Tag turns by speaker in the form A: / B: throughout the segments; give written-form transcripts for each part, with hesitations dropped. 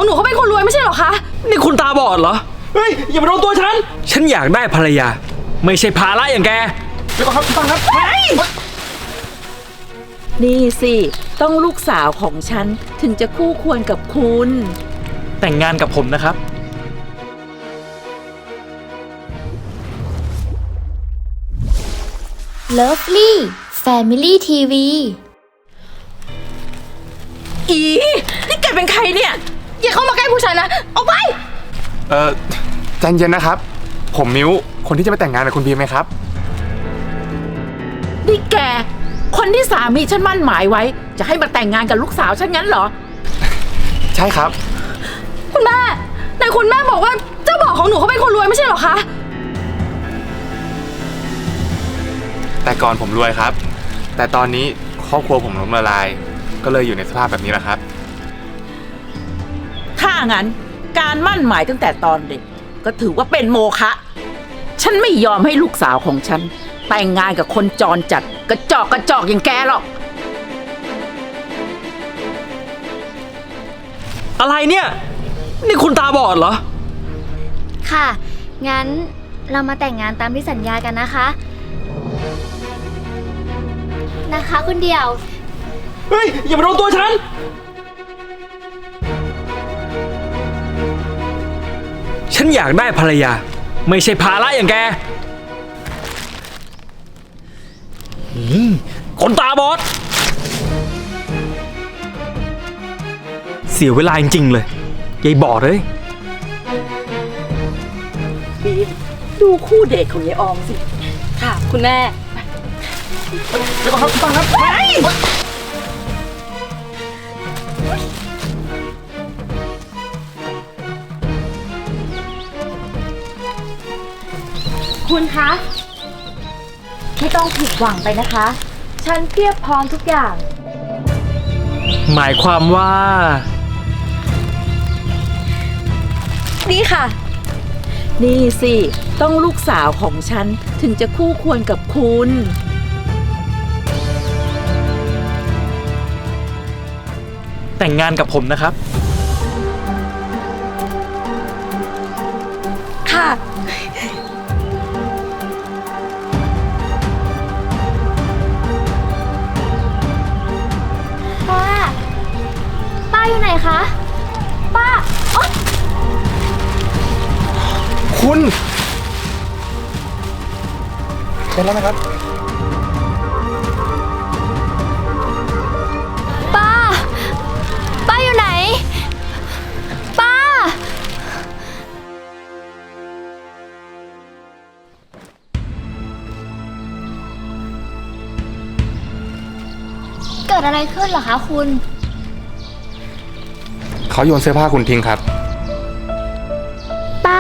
A: หนูเขาเป็นคนรวยไม่ใช่เหรอคะ
B: นี่คุณตาบอดเหรอเฮ้ยอย่ามาโดนตัวฉันอยากได้ภรรยาไม่ใช่ภาระอย่างแกเดี๋ยวก่อนครับคุณตาครับ
C: นี่สิต้องลูกสาวของฉันถึงจะคู่ควรกับคุณ
B: แต่งงานกับผมนะครับ
D: Lovely Family TV
A: อีนี่แกเป็นใครเนี่ยอย่าเข้ามาใกล้ผู้ชายนะออกไป
E: ใจเย็นนะครับผมมิ้วคนที่จะไปแต่งงานกับคุณบีมไหมครับ
C: นี่แกคนที่สามีฉันมั่นหมายไว้จะให้มาแต่งงานกับลูกสาวฉันงั้นเหรอ
E: ใช่ครับ
A: คุณแม่แต่คุณแม่บอกว่าเจ้าบ่าวของหนูเขาเป็นคนรวยไม่ใช่เหรอคะ
E: แต่ก่อนผมรวยครับแต่ตอนนี้ครอบครัวผมล้มละลายก็เลยอยู่ในสภาพแบบนี้แหละครับ
C: ถ้างั้นการมั่นหมายตั้งแต่ตอนเด็กก็ถือว่าเป็นโมฆะฉันไม่ยอมให้ลูกสาวของฉันแต่งงานกับคนจรจัดกระจอกอย่างแกหรอก
B: อะไรเนี่ยนี่คุณตาบอดเหรอ
D: ค่ะงั้นเรามาแต่งงานตามที่สัญญากันนะคะคุณเดียว
B: เฮ้ยอย่ามาโดนตัวฉันอยากได้ภรรยาไม่ใช่ภาระอย่างแกคนตาบอดเสียเวลาจริงๆเลยยายบอดเลย
C: บีมดูคู่เดทของยายออมสิ
A: ค่ะคุณแม่
B: เดี๋ยวก่อนครับคุณตาครับ
D: คุณคะไม่ต้องผิดหวังไปนะคะฉันเพียบพร้อมทุกอย่าง
B: หมายความว่า
A: นี่ค่ะ
C: นี่สิต้องลูกสาวของฉันถึงจะคู่ควรกับคุณ
B: แต่งงานกับผมนะครับ
A: ค่ะ
D: ป้าอยู่ไหนคะป้า
E: คุณเป็นแล้วไหมครับ
D: ป้าอยู่ไหนป้าเกิดอะไรขึ้นเหรอคะคุณ
E: เขาโยนเสื้อผ้าคุณทิ้งครับ
D: ป้า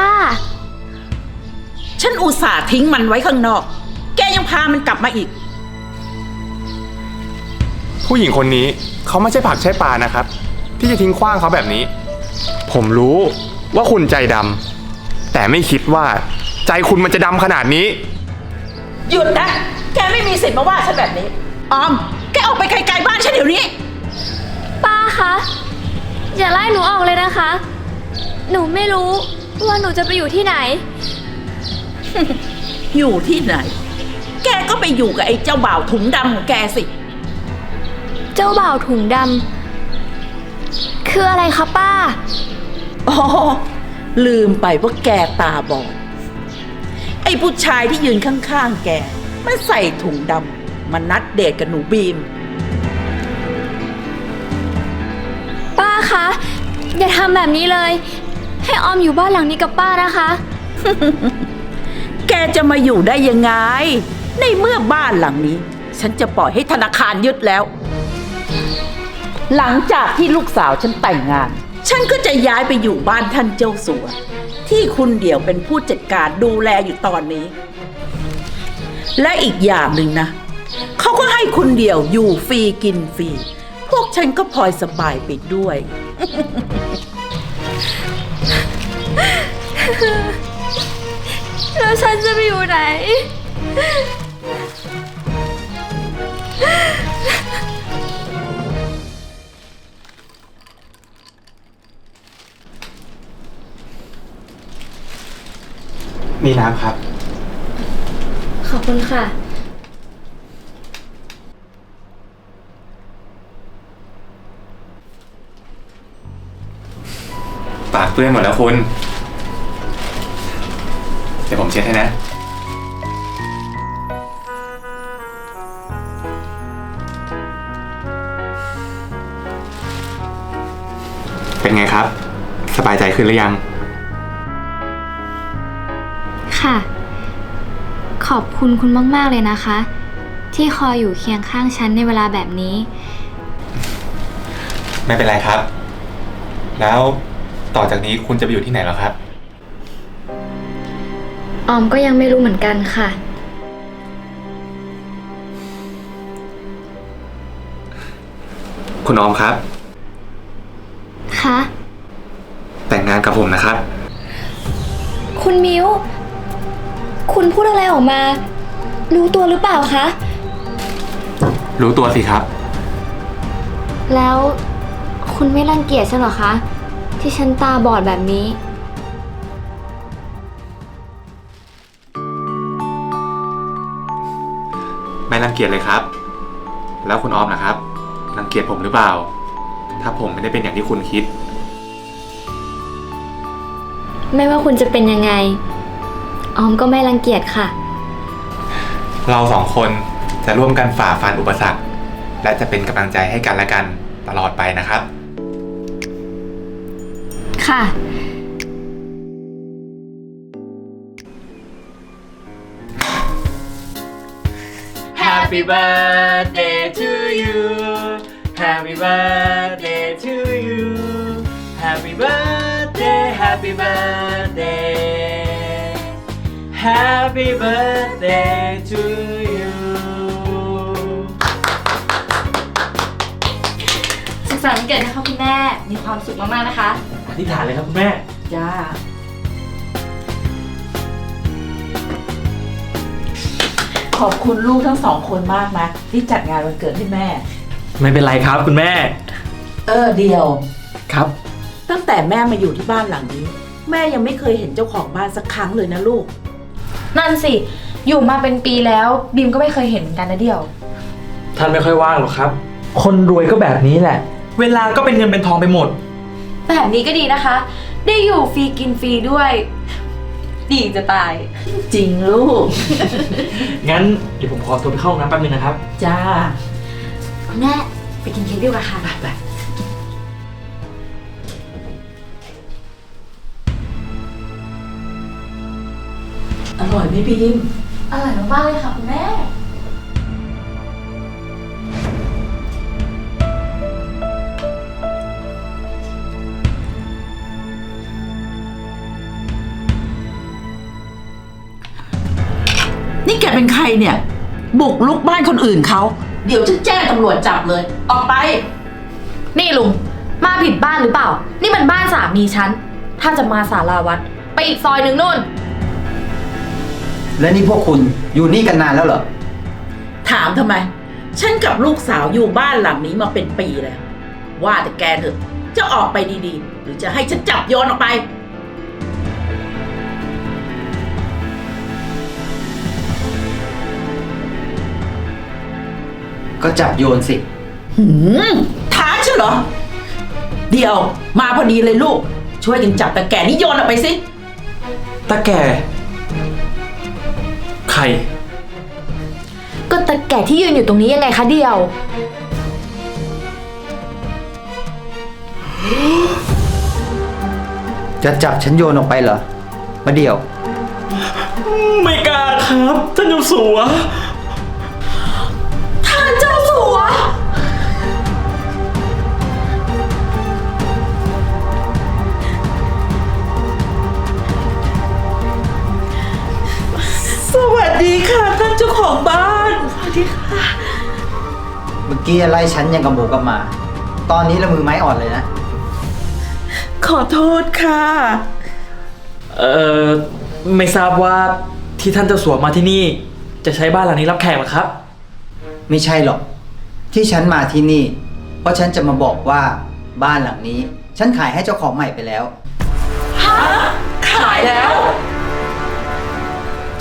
C: ฉันอุตส่าห์ทิ้งมันไว้ข้างนอกแกยังพามันกลับมาอีก
E: ผู้หญิงคนนี้เขาไม่ใช่ผักใช่ปลานะครับที่จะทิ้งขว้างเขาแบบนี้ผมรู้ว่าคุณใจดำแต่ไม่คิดว่าใจคุณมันจะดำขนาดนี้
C: หยุดนะแกไม่มีสิทธิ์มาว่าฉันแบบนี้ออมแกออกไปไกลๆบ้านฉันเดี๋ยวนี้
D: ป้าคะอย่าไล่หนูออกเลยนะคะหนูไม่รู้ว่าหนูจะไปอยู่ที่ไหน
C: อยู่ที่ไหนแกก็ไปอยู่กับไอ้เจ้าบ่าวถุงดำของแกสิ
D: เจ้าบ่าวถุงดำคืออะไรคะป้า
C: อ๋อลืมไปว่าแกตาบอดไอ้ผู้ชายที่ยืนข้างๆแกมันใส่ถุงดำมันนัดเดทกับหนูบีม
D: ป้าคะอย่าทำแบบนี้เลยให้ออมอยู่บ้านหลังนี้กับป้านะคะ
C: แกจะมาอยู่ได้ยังไงในเมื่อบ้านหลังนี้ฉันจะปล่อยให้ธนาคารยึดแล้วหลังจากที่ลูกสาวฉันแต่งงานฉันก็จะย้ายไปอยู่บ้านท่านเจ้าสัวที่คุณเดี่ยวเป็นผู้จัดการดูแลอยู่ตอนนี้และอีกอย่างหนึ่งนะเขาก็ให้คุณเดี่ยวอยู่ฟรีกินฟรีพวกฉันก็พลอยสบายไปด้วย
D: แล้วฉันจะไปอยู่ไหน
E: มีน้ำครับ
D: ขอบคุณค่ะ
E: ปากเปื้อนหมดแล้วคุณ เดี๋ยวผมเช็ดให้นะ เป็นไงครับ สบายใจขึ้นหรือยัง
D: ค่ะ ขอบคุณคุณมากๆเลยนะคะ ที่คอยอยู่เคียงข้างฉันในเวลาแบบนี้
E: ไม่เป็นไรครับ แล้วต่อจากนี้คุณจะไปอยู่ที่ไหนแล้วครับ
D: ออมก็ยังไม่รู้เหมือนกันค่ะ
E: คุณออมครับ
D: คะ
E: แต่งงานกับผมนะครับ
D: คุณมิ้ว คุณพูดอะไรออกมา รู้ตัวหรือเปล่าคะ
E: รู้ตัวสิครับ
D: แล้วคุณไม่รังเกียจฉันเหรอคะ ที่ฉันตาบอดแบบนี้
E: ไม่รังเกียจเลยครับ แล้วคุณออมนะครับ รังเกียจผมหรือเปล่า ถ้าผมไม่ได้เป็นอย่างที่คุณคิด
D: ไม่ว่าคุณจะเป็นยังไง ออมก็ไม่รังเกียจค่ะ
E: เราสองคนจะร่วมกันฝ่าฟันอุปสรรค และจะเป็นกำลังใจให้กันและกันตลอดไปนะครับ
D: ค่ะ
B: Happy birthday to you Happy birthday to you Happy birthday Happy birthday Happy birthday to you
A: สุขสันต์วันเกิดนะคะคุณแม่ มีความสุขมากๆนะคะ
B: อธิษฐานเลยครับคุณแม่
C: จ้า ขอบคุณลูกทั้งสองคนมากนะที่จัดงานวันเกิดให้แม่
B: ไม่เป็นไรครับคุณแม่
C: เดียว
B: ครับ
C: ตั้งแต่แม่มาอยู่ที่บ้านหลังนี้ แม่ยังไม่เคยเห็นเจ้าของบ้านสักครั้งเลยนะลูก
A: นั่นสิ อยู่มาเป็นปีแล้วบีมก็ไม่เคยเห็นเหมือนกันนะเดียว
B: ท่านไม่ค่อยว่างหรอกครับ คนรวยก็แบบนี้แหละ เวลาก็เป็นเงินเป็นทองไปหมด
A: แบบนี้ก็ดีนะคะ ได้อยู่ฟรีกินฟรีด้วย ดีจะตาย
C: จริงลูก
B: งั้นเดี๋ยวผมขอตัวไปเข้าห้องน้ำแป๊บนึงนะครับ
C: จ้า
A: คุณแม่ไปกินเค้กดีกว่าค่ะ
C: ไปอร่อยไหมบีม
A: อร่อยมากๆเลยค่ะคุณแม่
C: นี่แกเป็นใครเนี่ย บุกลุกบ้านคนอื่นเขา เดี๋ยวจะแจ้งตำรวจจับเลย ออกไป
A: นี่ลุง มาผิดบ้านหรือเปล่า นี่มันบ้านสามีฉัน ถ้าจะมาสาราวัด ไปอีกซอยหนึ่งนู่น
F: และนี่พวกคุณอยู่นี่กันนานแล้วเหรอ
C: ถามทำไม ฉันกับลูกสาวอยู่บ้านหลังนี้มาเป็นปีแล้ว ว่าแต่แกเถอะ จะออกไปดีๆ หรือจะให้ฉันจับโยนออกไป
F: ก็จับโยนสิ
C: ท้าฉันเหรอ เดี๋ยวมาพอดีเลยลูก ช่วยกันจับตะแก่นี่โยนออกไปสิ
B: ตาแก่ ใคร
A: ก็ตะแก่ที่ยืนอยู่ตรงนี้ยังไงคะเดียว
F: จะจับฉันโยนออกไปเหรอ มาเดี๋ยว
B: ไม่กล้าครับท่านเจ้าสัว
A: ท่านเจ้าสัว
C: สวัสดีค่ะท่านเจ้าของบ้าน สวัสดีค่ะ
F: เมื่อกี้ไล่ฉันยังกับหมูกับหมา ตอนนี้ละมือไม้อ่อนเลยนะ
C: ขอโทษค่ะ
B: ไม่ทราบว่าที่ท่านเจ้าสัวมาที่นี่ จะใช้บ้านหลังนี้รับแขกเหรอครับ
F: ไม่ใช่หรอก ที่ฉันมาที่นี่ เพราะฉันจะมาบอกว่าบ้านหลังนี้ ฉันขายให้เจ้าของใหม่ไปแล้ว
C: ขายแล้ว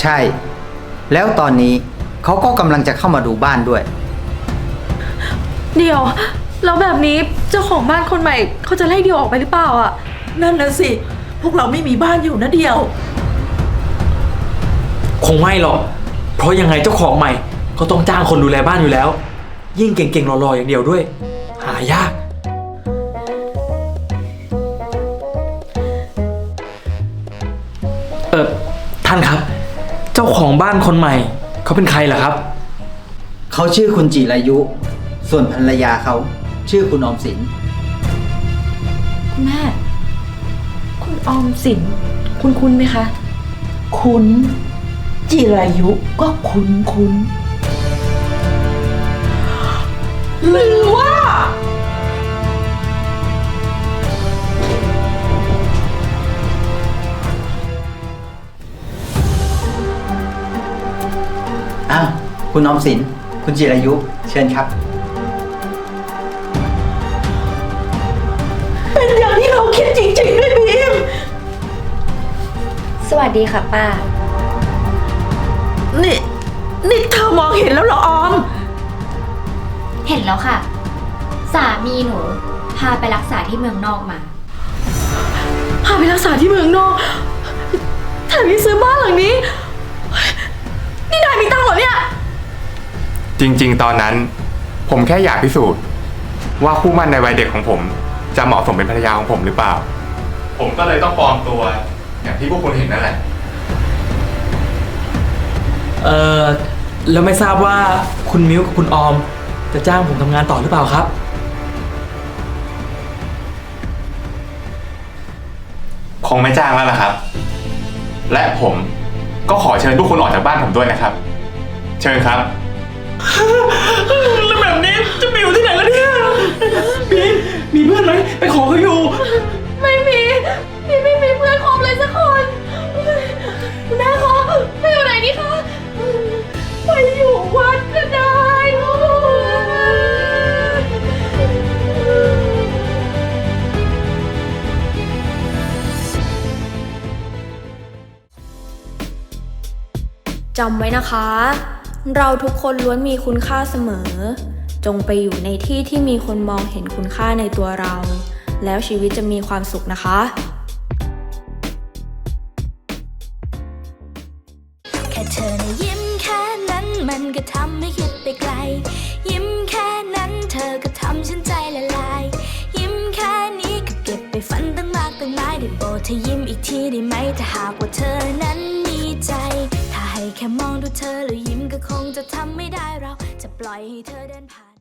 F: ใช่ แล้วตอนนี้เขาก็กำลังจะเข้ามาดูบ้านด้วย
A: เดี๋ยวแล้วแบบนี้เจ้าของบ้านคนใหม่เขาจะไล่เดียวออกไปหรือเปล่าอ่ะ
C: นั่นน่ะสิ พวกเราไม่มีบ้านอยู่นะเดียว
B: คงไม่หรอก เพราะยังไงเจ้าของใหม่ก็ต้องจ้างคนดูแลบ้านอยู่แล้ว ยิ่งเก่งๆหล่อๆอย่างเดียวด้วย หายาก ท่านครับ เจ้าของบ้านคนใหม่เขาเป็นใครเหรอครับ
F: เขาชื่อคุณจิรายุ ส่วนภรรยาเขาชื่อคุณออมสิน
A: คุณแม่ คุณออมสินคุณไหมคะ
C: คุณ จิรายุก็คุณหรือว่า
F: อ้าว คุณออมสิน คุณจิรายุ เชิญครับ
C: เป็นอย่างที่เราคิดจริงๆด้วยบีม
D: สวัสดีค่ะป้า
C: นี่เธอมองเห็นแล้วเหรอออม
D: เห็นแล้วค่ะ สามีหนูพาไปรักษาที่เมืองนอกมา
A: พาไปรักษาที่เมืองนอกแถมยังซื้อบ้านหลังนี้ นี่นายมีตังค์เหรอเนี่ย
E: จริงๆ ตอนนั้นผมแค่อยากพิสูจน์ว่าคู่หมั่นในวัยเด็กของผมจะเหมาะสมเป็นภรรยาของผมหรือเปล่า ผมก็เลยต้องปลอมตัว อย่างที่พวกคุณเห็นนั่นแหละ
B: แล้วไม่ทราบว่าคุณมิ้วกับคุณออมจะจ้างผมทำงานต่อหรือเปล่าครับ
E: คงไม่จ้างแล้วล่ะครับ และผมก็ขอเชิญทุกคนออกจากบ้านผมด้วยนะครับ เชิญครับ
B: แล้วแบบนี้จะไปอยู่ที่ไหนแล้วเนี่ยบีมมีเพื่อนไหมไปขอเขาอยู่
A: ไม่มีพี่ไม่มีเพื่อนคบเลยสักคนคุณแม่คะไปอยู่ไหนดีคะไปอยู่วัดก็ได้ลูก
D: จำไว้นะคะ เราทุกคนล้วนมีคุณค่าเสมอ จงไปอยู่ในที่ที่มีคนมองเห็นคุณค่าในตัวเรา แล้วชีวิตจะมีความสุขนะคะ
G: แค่เธอนะยิ้มแค่นั้นมันก็ทำให้คิดไปไกล ยิ้มแค่นั้นเธอก็ทำฉันใจละลาย ยิ้มแค่นี้ก็เก็บไปฝันตั้งมากตั้งหลายได้โปรดเธอยิ้มอีกทีได้ไหมถ้าหากว่าเธอนั้นมีใจ ถ้าให้แค่มองดูเธอแล้วยิ้มก็คงจะทำไม่ได้เราจะปล่อยให้เธอเดินผ่าน